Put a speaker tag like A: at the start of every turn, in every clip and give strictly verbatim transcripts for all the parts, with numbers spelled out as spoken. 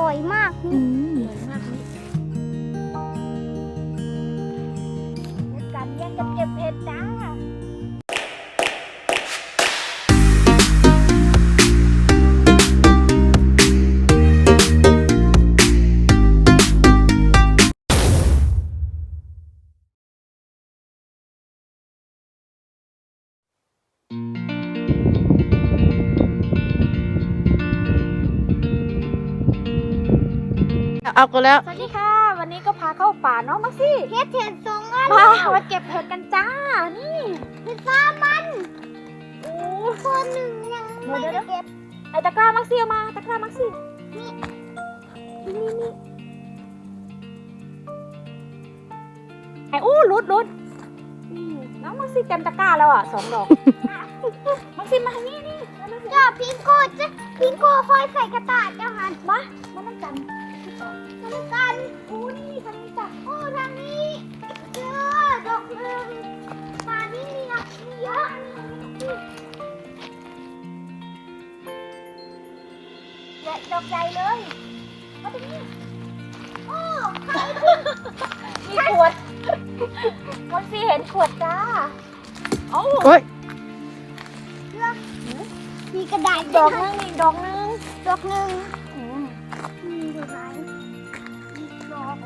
A: ร่อยมากนี่
B: อืม
A: อร่อยมากนี่กันแย่งกันเก็บเห็ดจ้า
B: เอากันแล้ว
A: สวัสดีค่ะ วันนี้ก็พาเข้าป่าเนาะมาสิเห็ดเห็ดสองอันมามาเก็บเห็ดกันจ้านี่เห็ดสามมันโอ้คนหนึ่งยังไม่ได้เก็บไอตะกร้ามักซี่เอามาตะกร้ามักซี่นี่นี่นี่ไออู้รุดรุดนี่น้องมักซี่เต็มตะกร้าแล้วอ่ะสองดอก มักซี่มานี่นี่จ้าพิงโก้จ้ะพิงโก้คอยใส่กระต่ายเจ้าหันมามานั่งกันมานั่งกันอู้นี่ทางนี้จ้ะโอ้ทางนี้เจอดอกหนึ่งป่านี่มีอ่ะมีเยอะใหญ่ดอกใหญ่เลยมาตรงนี้โอ้ใครมีขวดมักซี่เห็นขวดจ้าเอ้า
B: โอ้ย
A: มีกระดาษดอกนึงอีกดอกนึงดอกนึงมีดอกไหนอีกดอก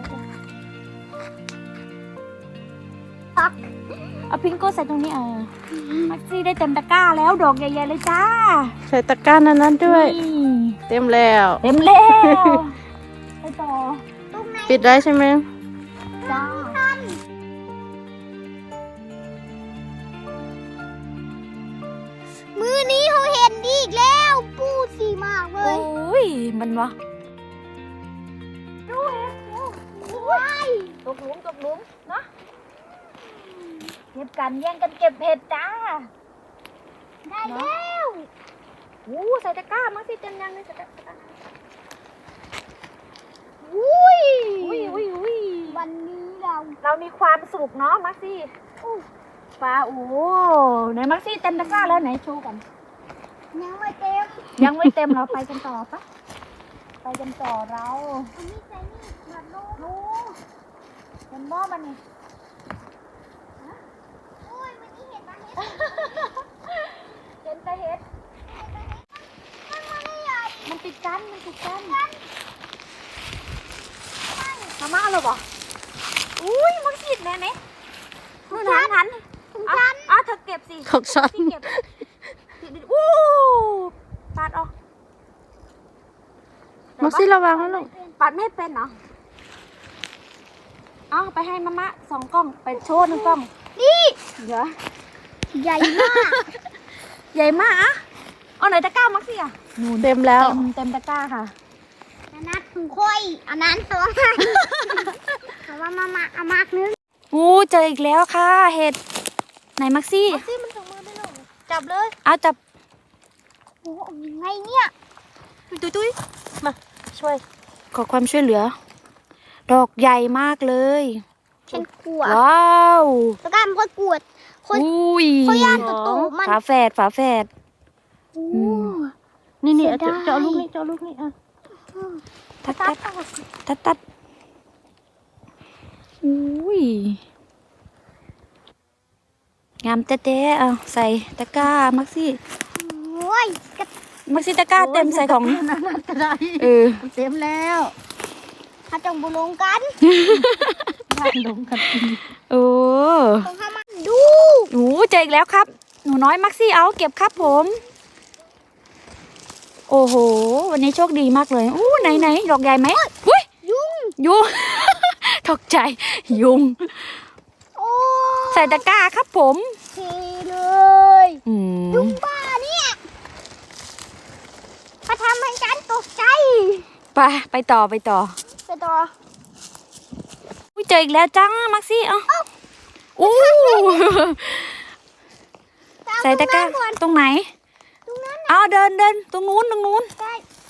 A: ปักเอาพิงโก้ใส่ตรงนี้เออมักซี่ได้เต็มตะกร้าแล้วดอกใหญ่ๆเลยจ้า
B: ใส่ตะกร้านั้นนั้นด้วย
A: นี่
B: เต็มแล้ว
A: เต็มแล้วไปต่อตรงไหน
B: ปิดได้ใช่ไหม
A: จ้ามือนี้เขาเห็นดีอีกแล้วปูสีมากเล
B: โอ้
A: ย
B: ยมันวะ
A: ดูเห็ดดูว้ายตกหลุมตกหลุมเนาะเก็บกันแย่งกันเก็บเห็ดจ้าได้แล้วโอ้ใส่ตะกร้ามาสิเต็มยังเลยใส่ตะกร้าอุ้ยอุ้ยอุ้ยอุ้ยวันนี้เราเรามีความสุขเนาะมาสิปลาโอ้ไหนมาสิเต็มตะกร้าแล้วไหนโชว์กันยังไม่เต็มยังไม่เต็มเราไปกันต่อปะไปกันต่อเราอันนี้ใส่นี่หมดลูกลูกเป็นหม้อมันนี่โอ้ยวันนี้เห็นปะเห็ดเห็นแต่เห็ดมันไม่ใหญ่มันติดกันมันติดกันมาม่าเลยบ่อุ้ยมันติดแน่ไหมมือหันหันอ่ะอ่ะเธอเก็บสิ
B: ของฉัน
A: พี่เก็บอู้ปัดออก
B: มักซี่ระวังนะลูก
A: ปัดไม่เป็นเหรอเอาไปให้มะมะสองกล้องไปโชว์หนึ่งกล้องนี่เดี๋ยวใหญ่มากใหญ่มากอ่ะเอาไหนตะกร้ามักซี่อ่ะ
B: เต็มแล้ว
A: เต็มเต็มตะกร้าค่ะอันนั้นถุงค่อยอันนั้นตัวให้แต่ว่ามะมะเอามากนึง
B: อู้เจออีกแล้วค่ะเห็ดไหนมักซี่
A: มักซี่มันถุงมือไปหน่อยจับเลย
B: เอาจับ
A: โอ้ยังไงเนี่ย
B: ตุ้ยตุ้ยมาช่วย ขอความช่วยเหลือ ดอกใหญ่มากเลย
A: ฉันกลัว
B: ว้าว
A: ตะกร้ามันค่อยกวดคน
B: อุ้ย
A: เขาย่านประตูมัน
B: ฝาแฝดฝาแฝด อืม นี่นี่
A: เสียดาย
B: จะเอาลูกนี่จะเอาลูกนี่อ่ะตัดตัดตัดตัดอุ้ยงามเต๊ะๆเอาใส่ตะกร้ามักซี่
A: โอ้ยกระ
B: มักซี่ตะกร้าเต็มใส่ของ
A: นั่นก็ได้
B: เออ
A: เต็มแล้วถ้าจงบุลงกันถ้าลงกัน
B: โอ้
A: ต้องทำมันดู
B: หนูเจออีกแล้วครับ หนูน้อยมักซี่เอาเก็บครับผม โอ้โห วันนี้โชคดีมากเลยอู้ไหนไหนดอกใหญ่ไหมอุ้ย
A: ยุ่ง
B: ยุง ตกใจยุง
A: โอ้
B: ใส่ตะกร้าครับผม
A: เทเลย
B: อืม
A: ยุงบ้าเนี่ยมาทำให้ฉันตกใจ
B: ไปไปต่อไปต่อ
A: ไปต่อ
B: อุ้ยเจออีกแล้วจ้ามักซี่เอาอู้ใส่ตะกร้าตรงไหน
A: ตรงนั้น
B: เอาเดินเดินตรงนู้นตรงนู้น
A: ได้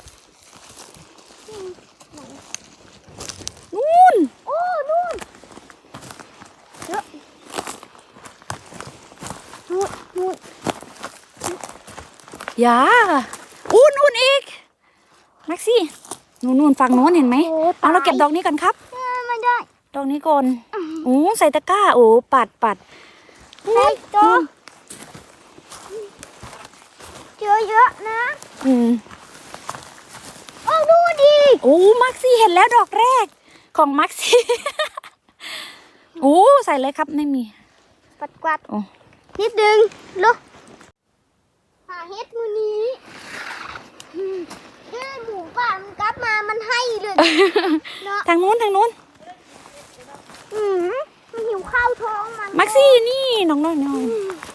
B: นู้น
A: โอ้นู่นเยอะนู่นนู่น
B: อย่าอู้นู้นอีกมักซี่นู่นๆฝั่งโน้นเห็นไหม
A: โอ้
B: เอาเราเก็บ
A: ตาย
B: ดอกนี้กันครับ
A: เออไม่ได้
B: ดอกนี้ก่อนโอ้ใส่ตะกร้าโอ้ปัดปัด
A: ใส่เจอเจอเยอะนะ
B: อืม
A: โอ้ดูดิ
B: โอ้มักซี่เห็นแล้วดอกแรกของมักซี่ โอ้ใส่เลยครับไม่มี
A: ปัดกวาด
B: โอ้
A: นิดนึงลูกหาเฮ็ดมือนี้อืมเอ้ยหมูป่ามันกลับมามันให้เลยเนาะ
B: ทางนู้นทางนู้น
A: อืมมันหิวข้าวท้องมัน
B: มักซี่นี่น้องน้อยน้อย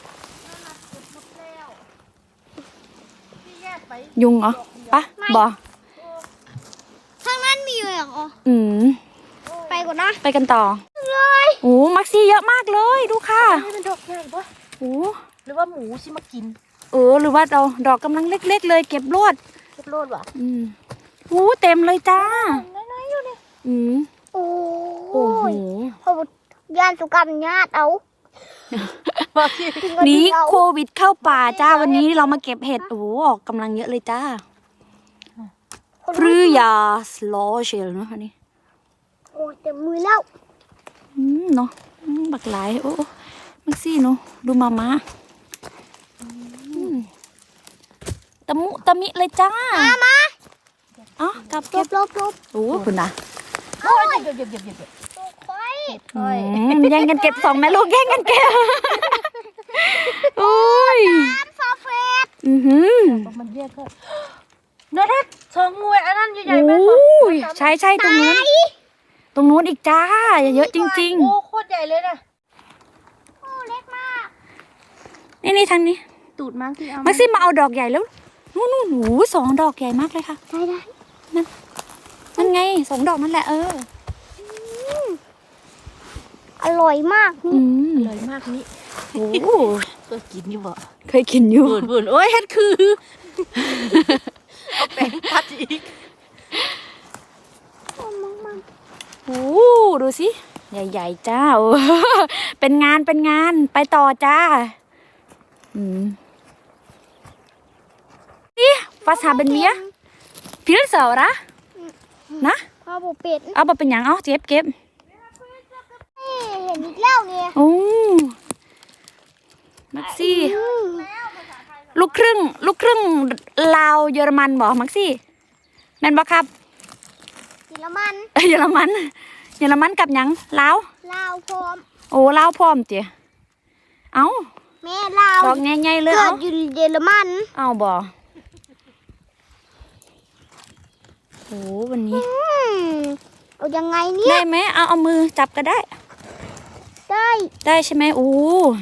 B: ยุงเหรอปะบอ
A: ทางนั้นมีเลยเหรอ
B: อืม
A: ไปก่อนนะ
B: ไปกันต่อ
A: เลย
B: โอ้มักซี่เยอะมากเลยดูค่ะ
C: ให้มันดอกใหญ่ปะ
B: โอ้
C: หรือว่าหมูสิมากิน
B: เออหรือว่าเราดอกกำลังเล็ก ๆ เลยเก็บรวด
C: เก็บโลดวะ
B: อืมโอ้เต็มเลยจ้า
C: น้อยๆอยู่นี่
B: อืม
A: โอ้
B: โอ้โห
A: ยพอยานสุกรรมญาติเอา
C: มาสิ
B: หนีโควิดเข้าป่าจ้าวันนี้เรามาเก็บเห็ดโอ้โหออกกำลังเยอะเลยจ้าฟรือยาสโลเชลเนาะอันนี้
A: โอ้ยเต็มมือแล้ว
B: อืมเนาะอืมบักหลายโอ้มักซี่เนาะดูมามาอืมตะมุตะมิเลยจ้า
A: มามา
B: เอ๋อกลับ
A: ล
B: เก็บบ
A: ลบลบ
B: โอ้คุณนะ
C: โอ้ยเดี๋ยวเดี๋ยวเดี๋ยวเดี๋ยวเดี๋ยว
A: ตัวควาย
B: อืมแย่งกันเก็บสองแม่ลูกแย่งกันเก็บโอ้ย
A: น้ำฟาเฟส
B: อือหือ
C: บอกมันแยกก็นาทัดสองมวยอันนั้นใหญ่
B: โอ้
C: ๆแม่น
B: ยใช่ใช่ตรงนู้นตรงนู้นอีกจ้าเยอะจริง
C: โอ้โคตรใหญ่เลยนะ
A: โอ้เล็กมาก
B: ๆ นี่นี่ทางนี้
C: ตูดมั้งที่เอา
B: มักซี่มาเอาดอกใหญ่แล้วนู่นนู่นโอ้สองดอกใหญ่มากเลยค่ะ
A: ได้ได้
B: นั่นไงสองดอกนั่นแหละเออ
A: อร่อยมาก
B: อื
A: นี่
B: ม
C: เลยมากนี่
B: โอ้
C: เคยกินอยู่บ่
B: เคยกินอยู่
C: บุญบุญโอ้ยเฮ็ดคือ เอาแป้งพัดอีก
B: โอ้ดูสิใหญ่ๆจ้าโอ้ เป็นงานเป็นงานไปต่อจ้าอืมนี่ภาษาเป็นเมียพิลเสาระนะ
A: พ่อบุเป็ด
B: เอาไปเป็นหยังเอาเก็บเก็บ
A: เอ้ยเห็นอีกแล้วเนี่ย
B: โอ้มักซี่
A: อืม
B: ลูกครึ่ง ลูกครึ่งลาวเยอรมันบอกมักซี่แม่นบอกครับ
A: กินแล้วมัน
B: เอ้ยเยอรมัน เยอรมันกับหยังลาว
A: ลาวพร้อม
B: โอ้ลาวพร้อมเตี๋ยเอา
A: แม่ลาว
B: ดอกใหญ่ๆเลย
A: เกิ
B: เอา
A: ดอยู่เยอรมัน
B: เอาบ่โอ้วันนี้
A: อืมเอายังไงเนี่ย
B: ได้ไหมเอาเอามือจับก็ได้
A: ได้
B: ได้ใช่ไหมโอ้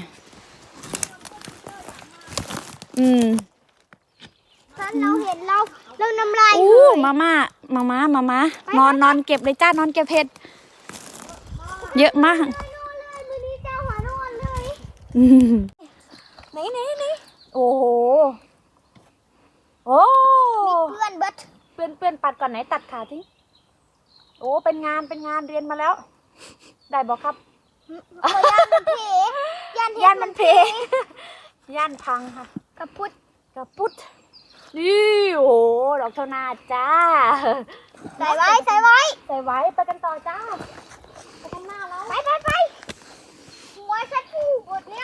B: อืม
A: ถ้าเราเห็นเราเราน้ำลาย
B: โอ้
A: เลย
B: มาม่ามาม่ามาม่านอนนอนเก็บเลยจ้านอนเก็บเห็ดเยอะมาก
A: นอนเลยมือนี้เจ้าหัวนอนเลย
B: อืม
A: ไหนไหนไหน
B: โอ้โหโอ้
A: เพื่อนเบิด
B: เปื้อนเปื้อนปัดก่อนไหนตัดขาทิ้งโอ้เป็นงานเป็นงานเรียนมาแล้ว ได้บอกครับ
A: เพราะย่านมันเพย่านเฮ็ด
B: ย่านมันเพย่านพังค่ะ
A: กระพุด
B: กระปุดนี่โอ้โหดอกเท่านาจ้า
A: ใส่ไว้ใส่ไว้
B: ใส่ไว้ไปกันต่อจ้าไปกันหน้าแล้ว
A: ไปไปไปหัวฉันผูกหมดแล้ว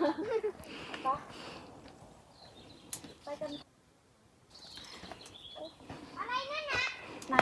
B: ไปกัน
A: อะไรนั่นนะ
B: ไหน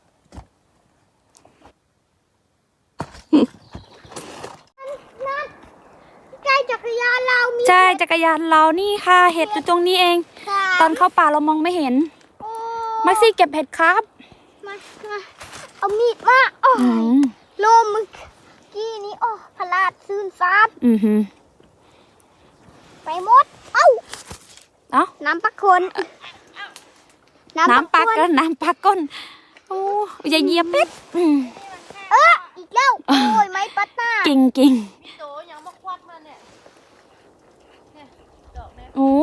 A: นั่นใกล้จักรยานเรามี
B: ใช่จักรยานเรานี่ค่ะเห็ดอยู่ตรงนี้เอง
A: ค่ะ
B: ตอนเข้าป่าเรามองไม่เห็น
A: โอ้
B: มักซี่เก็บเห็ดครับ
A: มามาเอามีดมาโอ้
B: อื
A: ย
B: ม
A: โลมมึงกี้นี้โอ้พลาดซื่นซาบ
B: อือหือ
A: ไปหมด เอ้า
B: เอ้า
A: น้ำปักคนน้ำ
B: น้ำปั
A: ปั
B: ก
A: กค
B: ก็
A: น
B: น้ำปักก้นโอ้อย่าเหยียบเป็ดอืม
A: เอออีกแล้ว โอ้ยไม้ปัดหน้า
B: กิ่งกิ่ง
C: พี่โตยังมาควัดมาเนี่ยเนี่ยดอกเนี่ย
B: โอ้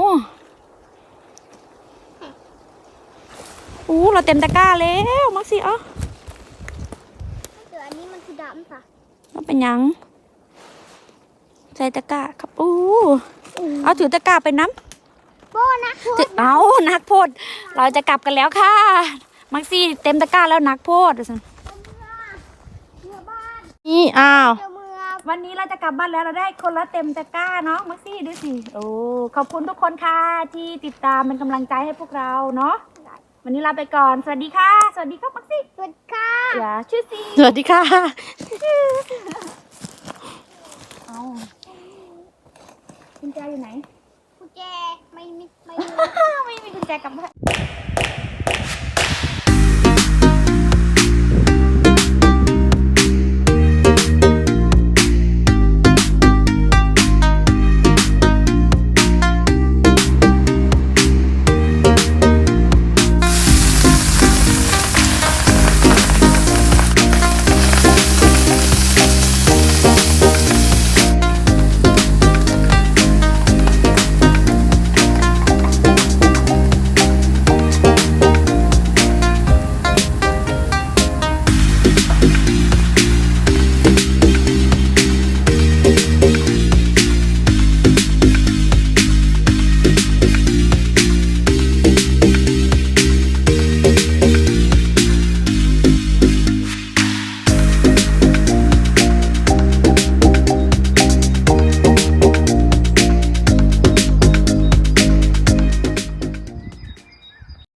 B: โอ้เราเต็มตะกร้าแล้วมักซี่เอ้า
A: เดี๋ยวอันนี้มันคือดำค่ะ
B: มันเป็นหยังใส่ตะกร้าครับโอ้เอาถือตะกร้าไปน้ำ
A: โบนะโท
B: ถือเอานักโพดเราจะกลับกันแล้วค่ะมักซี่เต็มตะกร้าแล้วนักโพดว่าซั่น
A: เมื่อบ้าน
B: นี่อ้าว
A: เมื่อ
B: วันนี้เราจะกลับบ้านแล้วเราได้คนละเต็มตะกร้าเนาะมักซี่ดูสิโอ้ขอบคุณทุกคนค่ะที่ติดตามเป็นกำลังใจให้พวกเราเนาะวันนี้ลาไปก่อนสวัสดีค่ะสวัสดีครับมักซี่
A: สวัสดีค่ะ
B: อย่าชื่อซีสวัสดีค่ะเอากุญแจอยู่ไหน
A: กุญแจไม่มีไม่มี
B: ไม่มีกุญแจกลับบ้าน